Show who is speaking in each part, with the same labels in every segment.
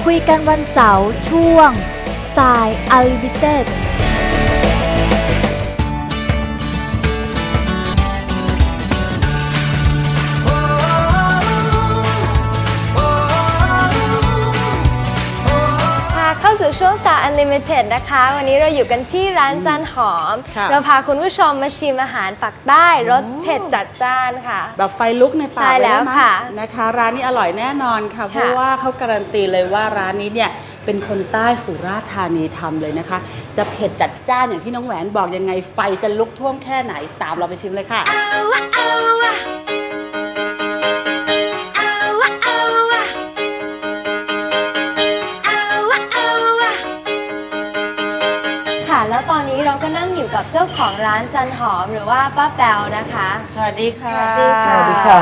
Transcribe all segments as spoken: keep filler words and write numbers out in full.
Speaker 1: คุยกันวันเสาร์ช่วงสาย Unlimited
Speaker 2: เข้าสู่ช่วงสาย Unlimited นะคะวันนี้เราอยู่กันที่ร้านจันหอมเราพาคุณผู้ชมมาชิมอาหารปักใต้รสเผ็ดจัดจ้านค่ะ
Speaker 3: แบบไฟลุกในปาก
Speaker 2: ใช่แล้วค่ะ
Speaker 3: นะคะร้านนี้อร่อยแน่นอนค่ะเพราะว่าเขาการันตีเลยว่าร้านนี้เนี่ยเป็นคนใต้สุราษฎร์ธานีทำเลยนะคะจะเผ็ดจัดจ้านอย่างที่น้องแหวนบอกยังไงไฟจะลุกท่วมแค่ไหนตามเราไปชิมเลยค่ะ
Speaker 2: แล้วตอนนี้เราก็นั่งอยู่กับเจ้าของร้านจันหอมหรือว่าป้าแปวนะคะ
Speaker 3: สวัสดีค่ะ
Speaker 2: สวัสดีค่ะ
Speaker 3: สวัสดีค่ะ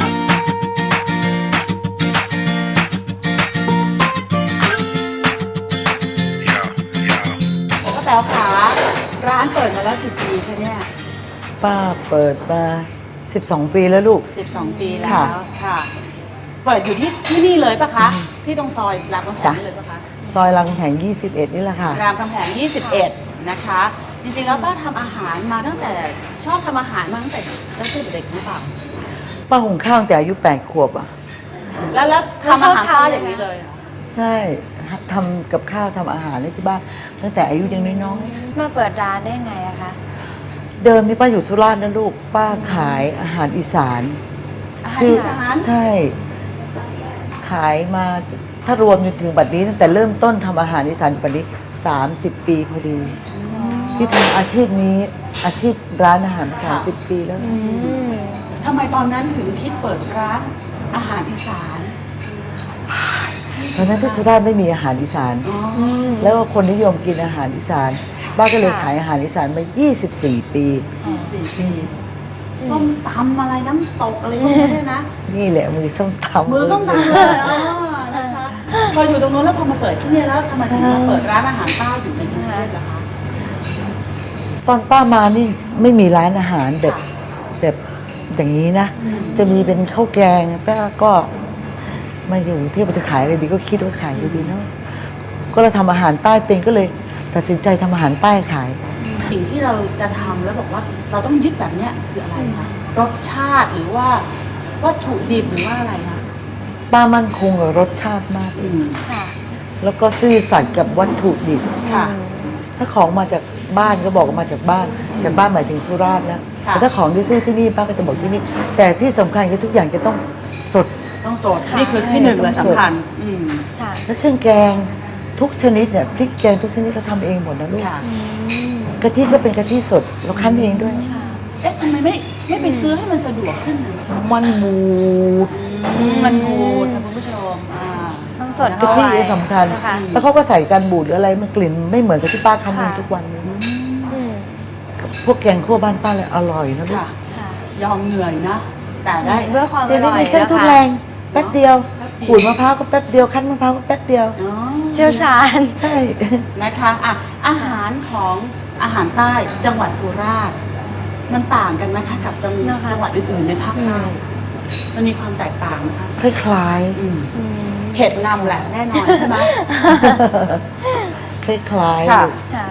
Speaker 3: ป้าแปวค่ะร้านเปิดมาแล้วกี่ปีคะเนี่ย
Speaker 4: ป้าเปิดมาสิบสองปีแล้วลูก
Speaker 3: สิบสองปีแล้วค่ะเปิดอยู่ที่ที่นี่เลยปะคะที่ตรงซอยรามคำแหงนี่เลยปะคะ
Speaker 4: ซอยรามคำแหงยี่สิบเอ็ดนี่แหละค่ะ
Speaker 3: รามคำแหงยี่สิบเอ็ดนะคะจริงๆแล้วป้าทำอาหารมาตั้งแต่ชอบทำอาหารมาตั้งแต่ตั้งแต่เด็กหรือเปล่า
Speaker 4: ป้าหุงข้าวตั้งแต่อายุแปดขวบอ่ะ
Speaker 3: แล้วแล้วทำอาหารป้าอย่างนี้เลย
Speaker 4: ใช่ทำกับข้าวทำอาหารที่บ้านตั้งแต่อายุยังน้อย
Speaker 2: ๆมาเปิดร้านได้ไงอะคะ
Speaker 4: เดิมนี่ป้าอยู่สุราษฎร์นะลูกป้าขายอาหารอีสาน
Speaker 3: อาหารอีสาน
Speaker 4: ใช่ขายมาถ้ารวมจนถึงบัดนี้ตั้งแต่เริ่มต้นทำอาหารอีสานบัดนี้สามสิบปีพอดีที่ทำอาชีพนี้อาชีพร้านอาหารสามสิบปีแล้ว
Speaker 3: ทำไมตอนนั้นถึงคิดเปิดร้านอาหารอีสาน
Speaker 4: ตอนนั้นที่สุราษฎร์ไม่มีอาหารอีสานแล้วก็คนนิยมกินอาหารอีสานบ้านก็เลยขายอาหารอีสานมายี่สิบสี่ปี
Speaker 3: ยี่สิบสี่ปีส้มตำอะไรน้ำตกอะไรพวกนี้ด้วยนะ
Speaker 4: นี่แหละมือส้มตำ
Speaker 3: มือส้มตำเลยนะคะพออยู่ตรงนู้นแล้วพอมาเปิดที่นี่แล้วทำไมถึงมาเปิดร้านอาหารใต้อยู่ในกรุงเทพล่ะคะ
Speaker 4: ตอนป้ามานี่ไม่มีร้านอาหารแบบแบบอย่างนี้นะจะมีเป็นข้าวแกงป้าก็มาอยู่ที่จะขายอะไรดีก็คิดว่าขายดีเนาะก็เราทำอาหารใต้เป็นก็เลยตัดสินใจทำอาหารใต้ขาย
Speaker 3: สิ่งที่เราจะทำแล้วบอกว่าเราต้องยึดแบบนี้คืออะไรคะรสชาติหรือว่าวัตถุดิบหรือว่าอะไรคะ
Speaker 4: ป้ามั่นคงกับรสชาติมากแล้วก็ซื่อสัตย์กับวัตถุดิบถ้าของมาจากบ้านก็บอกมาจากบ้านจากบ้านหมายถึงสุราษฎร์นะแต่ถ้าของที่ซื้อที่นี่ป้าก็จะบอกที่นี่แต่ที่สำคัญคือทุกอย่างจะต้องสด
Speaker 3: ต้องสดนี่คือที่หนึ่งเลยสำคัญ
Speaker 4: แล้วเครื่องแกงทุกชนิดเนี่ยพริกแกงทุกชนิดเราทำเองหมดนะลูกกะทิก็เป็นกะทิสดเราคั้นเองด้วย
Speaker 3: เอ๊ะทำไมไม่ไม่ไปซื้อให้มันสะดวกขึ้น
Speaker 4: มันบูด
Speaker 3: มันบูดค่ะคุณผู้ชม
Speaker 2: ต้องสด
Speaker 4: กะทิสำคัญแล้วเขาก็ใส่การบูดหรืออะไรมันกลิ่นไม่เหมือนกับที่ป้าคั้นเองทุกวันนี้พวกแกงคั่วบ้านป้าเลยอร่อยนะลูก
Speaker 3: ยอมเหนื่อยนะแต่ได้
Speaker 2: เพื่อความอร่อย
Speaker 4: เครื่องทุนแรงแป๊บเดียวขูดมะพร้าวก็แป๊บเดียวคั้นมะพร้าวก็แป๊บเดียว
Speaker 2: เชี่ยวชาญ
Speaker 4: ใช่
Speaker 3: นะคะอ่ะอาหารของอาหารใต้จังหวัดสุราษฎร์มันต่างกันไหมคะกับจังจังหวัดอื่นๆในภาคใต้มันมีความแตกต่างนะคะ
Speaker 4: คล้าย
Speaker 3: ๆเผ็ดนำแหละแน่นอนใช่ไหม
Speaker 4: คล้าย
Speaker 2: ๆค่ะ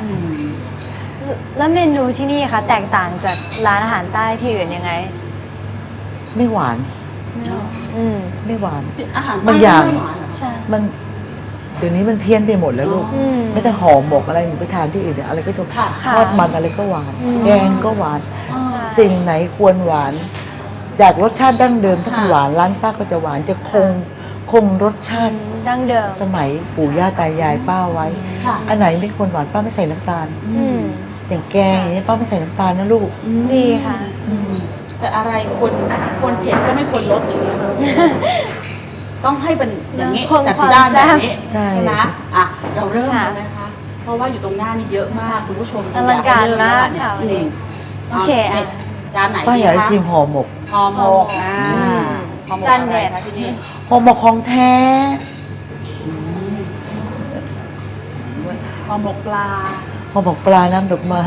Speaker 2: แล้วเมนูที่นี่คะแตกต่างจากร้านอาหารใต้ที่อื่นยังไง
Speaker 4: ไม่หวานไม่หวาน
Speaker 3: อาหาร
Speaker 4: บางอย่างมันเดี๋ยวนี้มันเพี้ยนไปหมดแล้วลูกไม่แต่หอมหมกอะไรหนูไปทานที่อื่นเนี่ยอะไรก็จะทอดมันอะไรก็หวานแกงก็หวานสิ่งไหนควรหวานอยากรสชาติดั้งเดิมถ้าหวานร้านป้าก็จะหวานจะคงคงรสชาติ
Speaker 2: ดั้งเดิม
Speaker 4: สมัยปู่ย่าตายายป้าไว้อันไหนไม่ควรหวานป้าไม่ใส่น้ำตาลอย่างแกงอย่างนี้ป้าไม่ใส่น้ำตาลนะลูก
Speaker 2: ดีค่ะ
Speaker 3: แต่อะไรควรควรเผ็ดก็ไม่ควรลดอย่างนี้ต้องให้เป็นอย่างนี้จัดจ้านแบบนี้ใช่ไหมอ่ะเราเริ่มแล้วนะคะเพราะว่าอยู่ตรงหน้านี่เยอะมากคุณผู้ชม
Speaker 2: อลังการมากค่ะวันนี้โอเคอ่ะ
Speaker 3: จานไหน
Speaker 4: ป้าอยากชิมห่อหมก
Speaker 3: ห่อหมกอ่า
Speaker 2: จานเด็ด
Speaker 3: ที่นี่
Speaker 4: ห่อหมกของแท้
Speaker 3: ห่อหมกปลา
Speaker 4: ห่อหมกปลาน้ำดอกไม้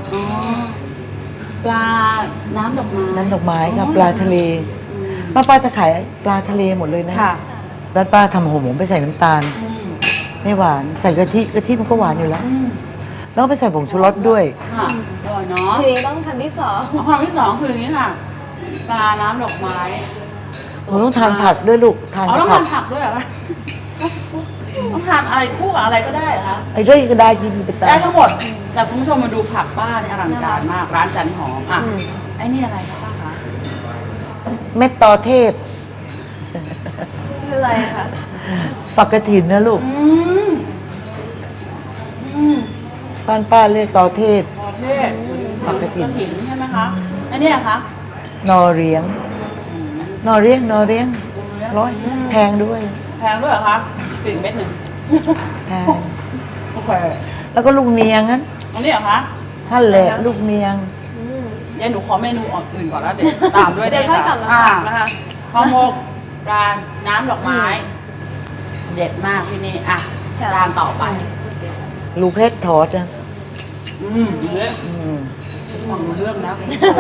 Speaker 3: ปลาน้ำดอกไม้
Speaker 4: น้ำดอกไม้ค่ะปลาทะเลป้าป้าจะขายปลาทะเลหมดเลยนะร้านป้าทำห่อหมกไม่ใส่น้ำตาลไม่หวานใส่กะทิกะทิมันก็หวานอยู่แล้ว
Speaker 3: อืม
Speaker 4: แล้วก็ไปใส่ผงชูรสด้วย
Speaker 3: ค่ะอร่อยเนาะ
Speaker 2: ทีนี้ต้องคำที่สอง
Speaker 3: ความที่สองคืออย่างนี้ค่ะปลาน้ำดอกไม้
Speaker 4: ผมต้องทานผักด้วยลูกทาน
Speaker 3: อ๋อ
Speaker 4: กับ
Speaker 3: ต้อง
Speaker 4: ผั
Speaker 3: ทาก นผักด้วยเหรอคะต้องทานอะไรคู่กับอะไรก็ได้เหรอคะ
Speaker 4: ไอ้ด้วยก็ได้กินไปตา
Speaker 3: ได้
Speaker 4: ม
Speaker 3: ทั้งหมด แต่คุณผู้ชมมาดูผักป้าเนี่ยอลังการมาก ร้านจันหอมอ่ะ
Speaker 2: อืม
Speaker 3: ไอ้นี่อะไรคะป้าคะ
Speaker 4: เม็ดตอเทศ
Speaker 2: คืออะไรคะ
Speaker 4: ฝักกระถินนะลูก
Speaker 3: อืมอืม
Speaker 4: ป้านป้าเรียกตอเทศ
Speaker 3: ประเทศ
Speaker 4: ผักกระถิ่น
Speaker 3: ถิ่นใช่ไหมคะไอ้เนี่ยคะ
Speaker 4: นอเรียง นอเรียงนอเรียงร้อยแพงด้วย
Speaker 3: แพงด้วยเหรอคะสี่เม็ดหนึ่ง
Speaker 4: แพง
Speaker 3: โอเค
Speaker 4: แล้วก็ลูกเนียงนั้น
Speaker 3: อันนี้เหรอคะ
Speaker 4: ท่านแหละลูกเนียง
Speaker 2: อืม
Speaker 3: เดี๋ยวหนูขอเมนูอื่นก่อนแล้วเดี๋ยวตามด้วย
Speaker 2: เดี๋ยวค่อยกลับมา
Speaker 3: อ่
Speaker 2: ถามนะคะ
Speaker 3: ข้าวหมกปลาน้ำดอกไม้ เด็ดมากที่นี่อ่ะ
Speaker 2: ค่ะ
Speaker 3: จานต่อไป
Speaker 4: ลูกเพชรทอดนะ
Speaker 3: อืมเนื้อ
Speaker 4: อืม
Speaker 3: ฟังรู้เรื่องนะ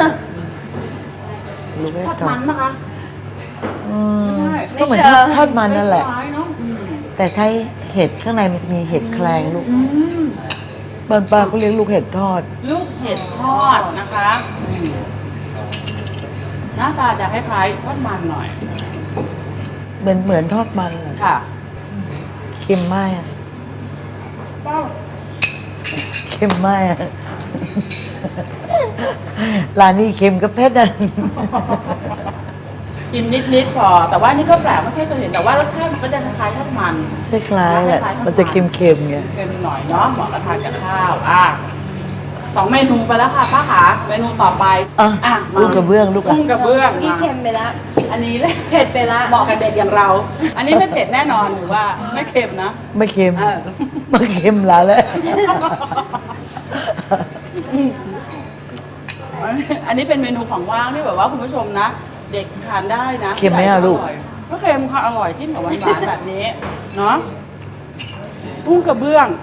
Speaker 4: ลูกเพช
Speaker 3: ท
Speaker 4: ร
Speaker 3: อด
Speaker 4: ทอ
Speaker 3: มั
Speaker 4: ด
Speaker 3: นนะคะ
Speaker 4: อืม
Speaker 3: ไม่ใช่
Speaker 4: ก็เหมือนทอดทอดมันนั่นแหละ
Speaker 3: คล้ายๆเนาะอืม
Speaker 4: แต่ใช้เห็ดข้างในมันจะมีเห็ดแคลงลูก
Speaker 3: อืม
Speaker 4: บ้านป้าก็เรียกลูกเห็ดทอด
Speaker 3: ลูกเห็ดทอดนะคะอืมหน้าตาจะคล้ายๆทอดมันหน่อย
Speaker 4: เหมือนเหมือนทอดมันอะ
Speaker 3: ค่ะ
Speaker 4: เค็มมากอะเค็มมากอะร้านนี้เค็มกับเผ็ดอ่ะ
Speaker 3: กินนิดๆพอ แต่ว่านี่ก็แปลกไม่เคยเห็น แต่ว่ารสชาติมันก็จะคล้ายๆทอดมัน
Speaker 4: คล้ายๆแหละมันจะเค็มๆไง
Speaker 3: เค็มหน่อยเนาะเหมาะกับทานกับข้าวอ่ะสองเมนูไปแล้วค่ะป้าขาเมนูต่อไป
Speaker 4: อ่ะ
Speaker 3: อ่ะมา
Speaker 4: ลูกกระเบื้องลูกอ่ะ
Speaker 3: กุ้งกระเบื้อง
Speaker 2: เมื่อกี้เค็มไปแล้ว
Speaker 3: อันนี้เลย
Speaker 2: เผ็ดไปแล้ว
Speaker 3: เหมาะกับเด็กอย่างเรา อันนี้ไม่เผ็ดแน่นอนหรือว่าไม่เค็มนะ
Speaker 4: ไม่เค็ม
Speaker 3: เออ
Speaker 4: ไม่เค็มแล้วแหละ
Speaker 3: อันนี้เป็นเมนูของว่างที่แบบว่าคุณผู้ชมนะ เด็กทานได้นะ
Speaker 4: เค็มไหมอะลูก
Speaker 3: ร่ยก็เค็มค่ะอร่อยจิ้มกับหวานๆแบบนี้เนาะกุ้งกระเบื้อง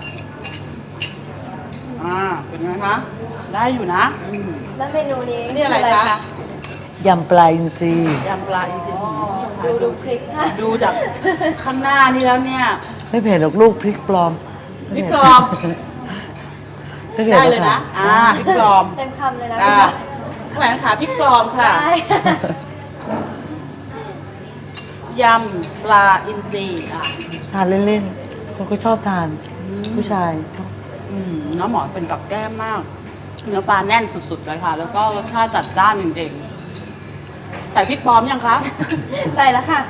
Speaker 3: อ่าเป็นไงคะได้อยู่นะอืม
Speaker 2: แล้วเมนูนี้
Speaker 3: นี่อะไร
Speaker 2: คื
Speaker 3: คะ
Speaker 4: ยำปลาอินทรี
Speaker 3: ยำปลาอินทรีย์คุณผู้ชมคะ
Speaker 2: ดูดูพริกค่ะ
Speaker 3: ดูจากข้างหน้านี่แล้วเนี่ย
Speaker 4: ไม่เผ็ดหรอกลูกพริกปลอม
Speaker 3: พริกปลอม
Speaker 4: ไม่ผ็
Speaker 3: ได้
Speaker 4: หรอก
Speaker 3: เลยนะ
Speaker 4: ค่
Speaker 3: อ่าพริกปลอม
Speaker 2: เต็มคำเลยนะ
Speaker 3: อ่าแหวนขาพริกปลอมค่ะ
Speaker 2: ได้
Speaker 3: ยำปลาอินทรีอ่ะ
Speaker 4: ทานเล่นๆเขาก็ชอบทาน ผู้ชายชอบ
Speaker 3: อืมน้ำหมอนเป็นกับแก้มมาก เนื้อปลาแน่นสุดๆเลยค่ะ แล้วก็รสชาติจัดจ้านจริงๆ ใส่พริกปลอมยังคะ
Speaker 2: ใส่แล้วค่ะ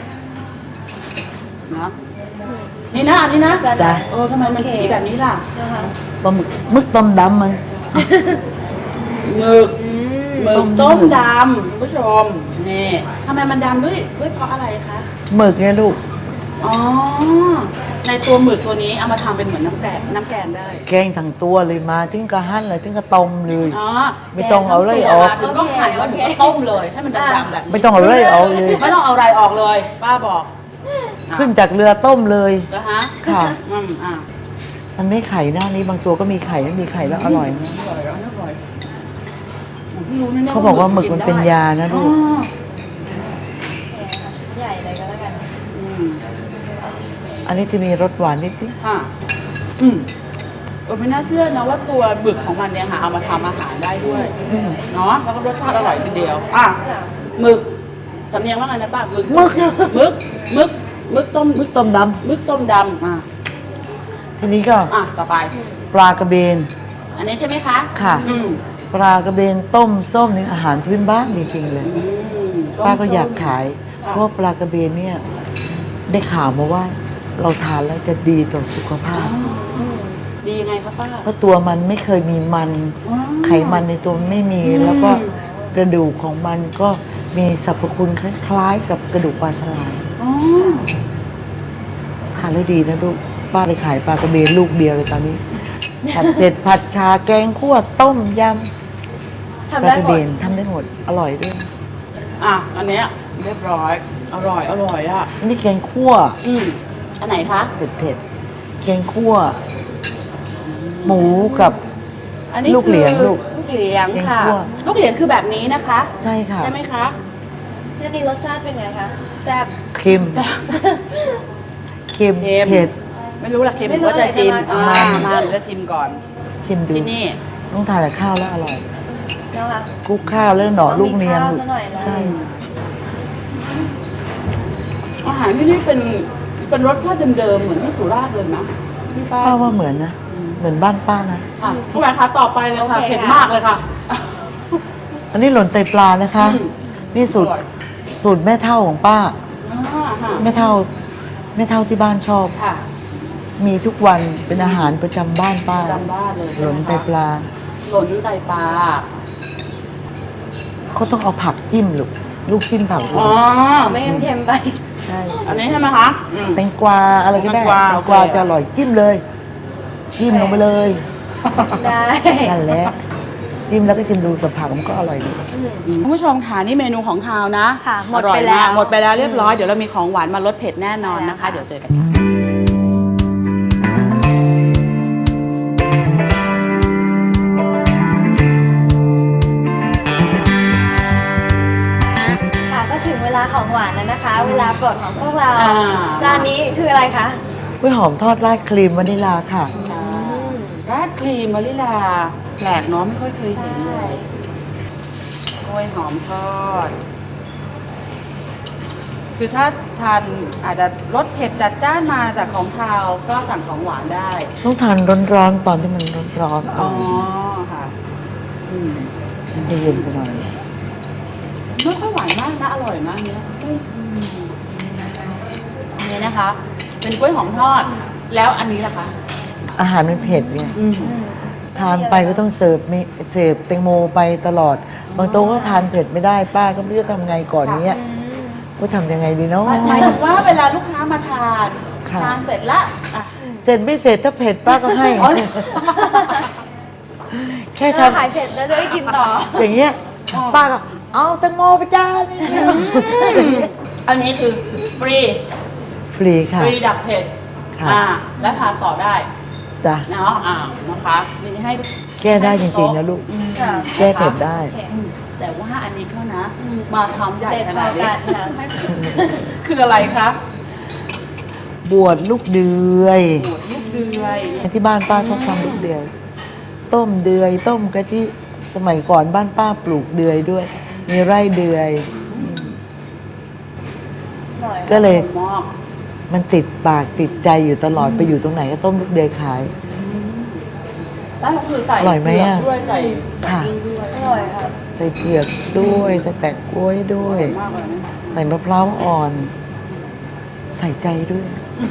Speaker 3: นะนี่นะอันนี้นะ
Speaker 4: จ้ะ
Speaker 3: เออทำไมมันสีแบบนี้ล่ะ
Speaker 2: นะคะ
Speaker 4: ปลาหมึกมึกต้มดำมัน
Speaker 3: หมึก
Speaker 2: อืม
Speaker 3: หมึกต้มดำคุณผู้ชมนี่ทำไมมันดำด้วยด้วยเพราะอะไรคะ
Speaker 4: หมึกไงลูก
Speaker 3: อ๋อ ในตัวหมึกตัวนี้เอามาทำเป็นเหมือนน้ำแกงน้ำแกงได้
Speaker 4: แกงทั้งตัวเลยมาถึงกระหั่นเลยถึงกระต้มเลย
Speaker 3: อ๋อ
Speaker 4: ไม่ต้องเอาเลยออก
Speaker 3: ถึงก็หั่นแล้วถึงก็ต้มเลย ให้มันดำๆแบบนี้
Speaker 4: ไม่ต้องเอาเลยออกเลย
Speaker 3: ไม่ต้องเอาอะไรออกเลย ป้าบอก
Speaker 4: ขึ้นจากเรือต้มเลย
Speaker 3: แล้วฮะ
Speaker 4: ค่ะ
Speaker 3: อืมอ่ะ
Speaker 4: มันไม่ไข่หน้านี้บางตัวก็มีไข่ไม่มีไข่แล้วอร่อยนะ
Speaker 3: อร่อยแล้วอร่อยผมพิ่งรู้นะนี่ย
Speaker 4: เขาบอกว่าหมึกมันเป็นยานะลูก
Speaker 3: อ๋อ
Speaker 2: ชิ้นใหญ่เลยก็แล้วกัน
Speaker 3: อืม
Speaker 4: อันนี้จะมีรสหวานนิด
Speaker 3: ค่ะอืมเออไม่น่าเชื่อนะว่าตัวหมึกของมันเนี่ยค่ะเอามาทำอาหารได้ด้วยเนาะแล้วก็รสชาติอร่อยทีเดียวอ่ะหมึกสำเนียงว่าไงนะป้าหมึก
Speaker 4: ๆมึก
Speaker 3: หมึกหมึกหมึกต้ม
Speaker 4: มึกต้มด
Speaker 3: หมึกต้มดำอ่ะ
Speaker 4: ำทีนี้ก็
Speaker 3: อ่ะต่อไป
Speaker 4: ปลากระเบน
Speaker 3: อันนี้ใช่ไหมคะ
Speaker 4: ค่ะ
Speaker 3: อืม
Speaker 4: ปลากระเบนต้มส้มนี่อาหารพื้นบ้านจริงๆเลย
Speaker 3: อืม
Speaker 4: ป้าก็อยาก
Speaker 3: ต้มส้ม
Speaker 4: ขาย เพราะว่าปลากระเบนเนี่ย ได้ข่าวมาว่า เราทานแล้วจะดีต่อสุขภาพ
Speaker 3: ดียังไงคะป้า
Speaker 4: เพราะตัวมันไม่เคยมีมัน
Speaker 3: อ๋อ
Speaker 4: ไขมันในตัวไม่มี
Speaker 3: อืม
Speaker 4: แล้วก็กระดูกของมันก็มีสรรพคุณคล้ายๆ กับกระดูกปลาฉลาม
Speaker 3: อ๋อ
Speaker 4: ทานแล้วดีนะลูกป้าไปขายปลากระเบนลูกเดียวเลยตอนนี้ ผัดเผ็ดผัดชาแกงคั่วต้มยำ
Speaker 2: ทำ
Speaker 4: ปลา
Speaker 2: ได้
Speaker 4: กระ
Speaker 2: หม
Speaker 4: เบ
Speaker 2: ด
Speaker 4: นทำได้หมดอร่อยด้วย
Speaker 3: อ่ะอันเนี้ยเรียบร้อย อร่อยอร่อยอ่ะ
Speaker 4: นี่แกงคั่ว
Speaker 3: อืมอันไหนคะ
Speaker 4: เผ็ดเผ็ดๆแกงคั่ว หมูกับ
Speaker 3: อันนี้
Speaker 4: ลูกเหลียง
Speaker 3: คือ
Speaker 4: ลูก
Speaker 3: ลูกเหลียงค่ะ
Speaker 4: แกงคั่ว
Speaker 3: ลูกเหลียงคือแบบนี้นะคะ
Speaker 4: ใช่ค่ะ
Speaker 3: ใช่ไหมคะ
Speaker 2: แล้วนี่รสชาติเป็นไงคะ แซ่บ
Speaker 4: เค็มเค็ม
Speaker 3: เค็ม
Speaker 4: เผ็ด
Speaker 3: ไม่รู้ละเค็มหรือว่าจะชิมอ่ามาหรือจะชิมก่อน
Speaker 4: ชิมดู
Speaker 3: ที่นี่
Speaker 4: ต้องทานกับข้าวแล้วอร่อย
Speaker 2: นะคะ
Speaker 4: คลุกข้าวแล้วหน่อลูกเนียง
Speaker 2: มีข้าวซะหน่อยนะ
Speaker 4: ใช่
Speaker 3: อาหารที่นี่เป็นเป็นรสชาติเดิมๆเหมือนที่สุราษฎร์เลยนะพี่ป้า
Speaker 4: ป้าว่าเหมือนนะเหมือนบ้านป้านะ
Speaker 3: ค่ะผู้ใหญ่คะต่อไปเลยค่ะ
Speaker 2: โอเค
Speaker 3: เผ็ด
Speaker 2: ค่ะ
Speaker 3: มากเลยค่ะ
Speaker 4: อันนี้หล่นไตปลานะคะ
Speaker 3: อืม
Speaker 4: นี่สูตร
Speaker 3: อร่อย
Speaker 4: สูตรแม่เท่าของป้า
Speaker 3: อ่าค่ะ
Speaker 4: แม่เท่าแม่เท่าที่บ้านชอบ
Speaker 3: ค่ะ
Speaker 4: มีทุกวันเป็นอาหารประจำบ้านป้า
Speaker 3: จำบ้านเลย
Speaker 4: ห
Speaker 3: ใช่
Speaker 4: ล่
Speaker 3: ไห
Speaker 4: น
Speaker 3: ม
Speaker 4: ไต
Speaker 3: คะ
Speaker 4: ปลา
Speaker 3: หล่นไตปลา
Speaker 4: เขาต้องเอาผักจิ้มลูกลูกจิ้มผัก
Speaker 3: อ๋อ
Speaker 2: ไม่งั้นเค็มไป
Speaker 4: ใช่
Speaker 3: อันนี้ใช่ไหมคะอืม
Speaker 4: แตงกวาอะไรก็ได้
Speaker 3: แตงกวา
Speaker 4: แตงกวา
Speaker 3: โอเค
Speaker 4: จะอร่อยจิ้มเลย จิ้มลงไปเลย
Speaker 2: ได้
Speaker 4: นั่นแหละจิ้มแล้วก็ชิมดูกับผักมันก็อร่อยดี
Speaker 3: คุณผู้ชมค่ะนี่เมนูของคาวนะ
Speaker 2: ค่ะหมด
Speaker 3: อร่อ
Speaker 2: ไป
Speaker 3: ย
Speaker 2: แล้
Speaker 3: มาก
Speaker 2: ว
Speaker 3: หมดไปแล้วเรียบร้อยเดี๋ยวเรามีของหวานมาลดเผ็ดแน่นอนนะคะ
Speaker 2: ใช่แล้วค่ะ
Speaker 3: เดี๋ยวเจอกันค่ะ
Speaker 2: ค่ะก็ถึงเวลาของหวานแล้วนะคะ เวลาโปรดของพวกเรา
Speaker 3: อ่า
Speaker 2: จานนี้คืออะไรคะ
Speaker 4: กล้วยหอมทอดราดครีมวานิลลาค่ะ
Speaker 3: ราดครีมมะลิลาแปลกเนาะไม่ค่อยเคยเห็นเลยกล้วยหอมทอด คือถ้าทานอาจจะรสเผ็ดจัดจ้านมาจากของคาวก็สั่งของหวานได้
Speaker 4: ต้องทานร้อนๆตอนที่มันร้อนๆ
Speaker 3: อ๋
Speaker 4: อ๋
Speaker 3: อ
Speaker 4: อ
Speaker 3: ค่ะอืม
Speaker 4: ให้เย็นไปหน่อย
Speaker 3: ไม่ค่อยหวานมากนะอร่อยมากเนี้ยอืมอันนี้นะคะ เป็นกล้วยหอมทอด แล้วอันนี้ล่ะคะ
Speaker 4: อาหารมันเผ็ดไง
Speaker 3: อืม
Speaker 4: ทานไปก็ต้องเสิร์ฟมีเสิร์ฟแตงโมไปตลอด บางโต๊ะก็ทานเผ็ดไม่ได้ป้าก็ไม่รู้จะทำไงก่อนเนี้ยว่าทำยังไงดีเนาะ
Speaker 3: หมายหมายถึงว่าเวลาลูกค้ามาทาน
Speaker 4: ค่ะ
Speaker 3: ทานเสร็จละอ่ะ
Speaker 4: เสร็จไม่เสร็จถ้าเผ็ดป้าก็ให้
Speaker 3: อ๋อ
Speaker 4: แค่
Speaker 2: ถ้า
Speaker 4: ทำ
Speaker 2: ขายเสร็จแล้วจะได้กินต่อ
Speaker 4: อย่างเงี้ยป้าก็เอาแตงโมไปจานนี่
Speaker 3: อันนี้คือฟรี
Speaker 4: ฟรีค่ะ
Speaker 3: ฟรีดับเผ็ด
Speaker 4: ค่ะ
Speaker 3: อ่าและทานต่อได้
Speaker 4: จ้ะ
Speaker 3: เนาะอ่านะคะนี่ให้
Speaker 4: แก้ได้จริงๆนะลูก
Speaker 3: อืม
Speaker 2: ค่ะ
Speaker 4: แก้เผ็ดได้
Speaker 2: โอเค
Speaker 3: อืมแต่ว่าอันนี้เขานะ มาชามใหญ่
Speaker 2: เด็ด
Speaker 3: ข
Speaker 2: พ
Speaker 3: นา
Speaker 2: อ
Speaker 3: ดนี้
Speaker 2: กันค่ะ
Speaker 3: คืออะไรคะ
Speaker 4: บวชลูกเดือย
Speaker 3: หมวดลูกเดือยเนี่ย
Speaker 4: ที่บ้านป้าชอบทำลูกเดือย ต้มเดือย ต้มกะทิสมัยก่อนบ้านป้าปลูกเดือยด้วย มีไร่เดือย
Speaker 2: อร่อย
Speaker 4: ก็เลย
Speaker 3: หม้อ
Speaker 4: มันติดปากติดใจอยู่ตลอดไปอยู่ตรงไหนก็ต้มลูกเดือยขาย
Speaker 3: แล้วก็คือใส่
Speaker 4: อร่อยไหมอะ
Speaker 3: เผืกด้วยใส่
Speaker 4: ค่ะ
Speaker 3: แบบนี้ด้วย
Speaker 2: อร่อยค่ะ
Speaker 4: ใส่เผือกด้วยใส่แปะกล้วยด้วย
Speaker 3: มากเลยนะ
Speaker 4: ใส่มะพร้าวอ่อน ใส่ใจด้วย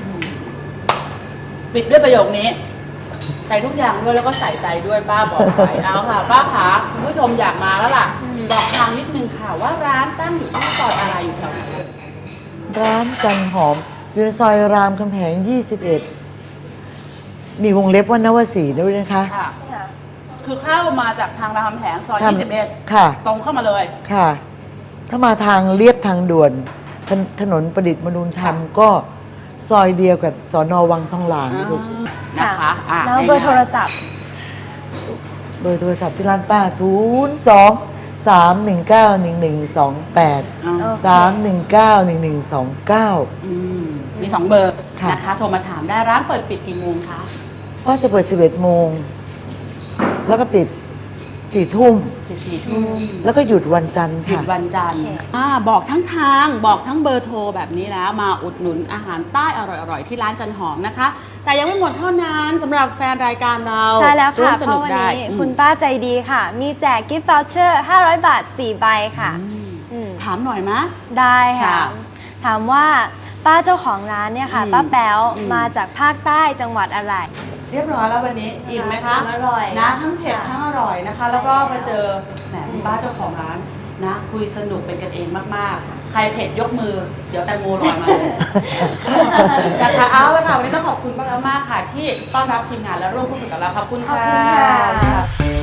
Speaker 3: ปิดด้วยประโยคนี้ ใส่ทุกอย่างด้วยแล้วก็ใส่ใจด้วยป้าบอกไว้เอาค่ะ ป้าขาคุณผู้ชมอยากมาแล้วล่ะ บอกทางนิดนึงค่ะว่าร้านตั้งอยู่ที่ซอยอะไรอยู่แถวไหน
Speaker 4: ร้านจันหอมอยู่ในซอยรามคำแหงยี่สิบเอ็ดมีวงเล็บว่านวสีด้วยนะคะ
Speaker 3: ค่ะ
Speaker 2: ค่ะ
Speaker 3: คือเข้ามาจากทางรามคำแหงซอย
Speaker 4: ทำ
Speaker 3: ยี่สิบเอ็ด
Speaker 4: ค่ะ
Speaker 3: ตรงเข้ามาเลย
Speaker 4: ค่ะ ถ้ามาทางเลียบทางด่วนถนถนนประดิษฐ์มนุนธรรมก็ซอยเดียวกับสอนอวังทองหลางลูก
Speaker 3: นะคะอ่ะ
Speaker 2: แล้วเบอร์โทรศัพท์
Speaker 4: เบอร์โทรศัพท์ที่ร้านป้า ศูนย์ สอง สาม หนึ่ง เก้า หนึ่ง หนึ่ง สอง แปด
Speaker 3: อ่า
Speaker 2: โอเค
Speaker 4: สาม หนึ่ง เก้า หนึ่ง หนึ่ง สอง เก้า
Speaker 3: อืมมีสองเบอร์
Speaker 4: ค่ะ
Speaker 3: นะคะ โทรมาถามได้ร้านเปิดปิดกี่โมงคะ
Speaker 4: ก็จะเปิดสิบเอ็ดโมง แล้วก็ปิดสี่ทุ่ม
Speaker 3: ปิดสี่ทุ่ม
Speaker 4: แล้วก็หยุดวันจันทร์
Speaker 3: หยุด
Speaker 4: ค่ะ
Speaker 3: วันจันทร์
Speaker 2: โอเค
Speaker 3: อ่าบอกทั้งทางบอกทั้งเบอร์โทรแบบนี้นะ มาอุดหนุนอาหารใต้อร่อยๆ ที่ร้านจันหอมนะคะ แต่ยังไม่หมดเท่านั้นสำหรับแฟนรายการเรา
Speaker 2: ใช่แล้ว
Speaker 3: ร่ว
Speaker 2: ค่ะ
Speaker 3: มส
Speaker 2: เพ
Speaker 3: นุ
Speaker 2: ราะ
Speaker 3: ก
Speaker 2: วัน
Speaker 3: ได้
Speaker 2: นี้
Speaker 3: อืม
Speaker 2: คุณป้าใจดีค่ะ มีแจกกิฟต์ o ว c เชอร์ห้าร้อยบาทสี่ใบค่ะอืม
Speaker 3: ถามหน่อยมะ
Speaker 2: ได้ค่ะ
Speaker 3: ค่ะ
Speaker 2: ถามว่าป้าเจ้าของร้านเนี่ยค่ะ
Speaker 3: อืม
Speaker 2: ป้าแป๊ว
Speaker 3: อืม
Speaker 2: มาจากภาคใต้จังหวัดอะไร
Speaker 3: เรียบร้อยแล้ววันนี้อิ่มไหมคะ
Speaker 2: อร่อย
Speaker 3: นะทั้งเผ็ด
Speaker 2: ค่ะ
Speaker 3: ทั้งอร่อยนะคะ แล้วก็มาเจอแหมคุณป้าเจ้าของร้านนะ คุยสนุกเป็นกันเองมากๆ ใครเผ็ดยกมือ เดี๋ยวแตงโมลอยมาเลย นะคะเอาละค่ะวันนี้ต้องขอบคุณป้าแป๊วมากค่ะ ที่ต้อนรับทีมงานและร่วมพูดคุยกับเราขอบคุณ
Speaker 2: ขอบ
Speaker 3: ค่ะ
Speaker 2: คุณค่ะ